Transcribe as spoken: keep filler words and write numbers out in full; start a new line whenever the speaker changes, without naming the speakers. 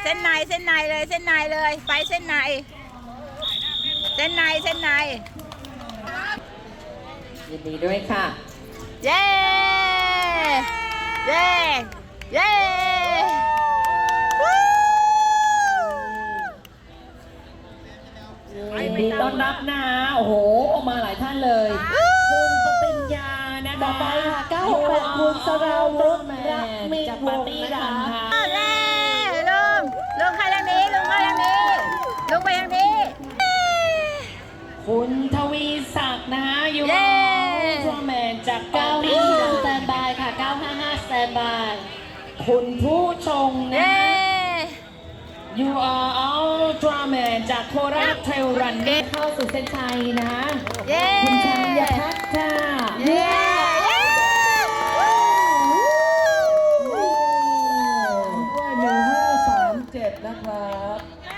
ส้นในเส้นในเลยเส้นในเลยไปเส้นในเส้นในเส้นใน
ยินดีด้วยค่ะ
เย้เย้เย้
ยินดีต้อนรับนะโอ้โหออกมาหลายท่านเลยคุณปติญญานะต่อไปค่ะเก้าหกแปดคุณสราวุฒิรักมีจากปาร์ตี้ดังค่ะ
เย้ลุงลุงเข้าทางนี้ลุงเข้าทางนี้ลุงไปทางนี้
คุณทวีศักดิ์นะฮะยูโรทรแมนจากเก้าห้าสแตนบายค่ะเก้าห้าห้าสแตนบายคุณผู้ชงนะ You are Ultraman จากโคราชเทรลรันนี่เข้าสู่เส้นชัยนะคุณชัยพัฒน์ค่ะ
เย้
ด้วยหนึ่งห้าสามเจ็ดนะครับ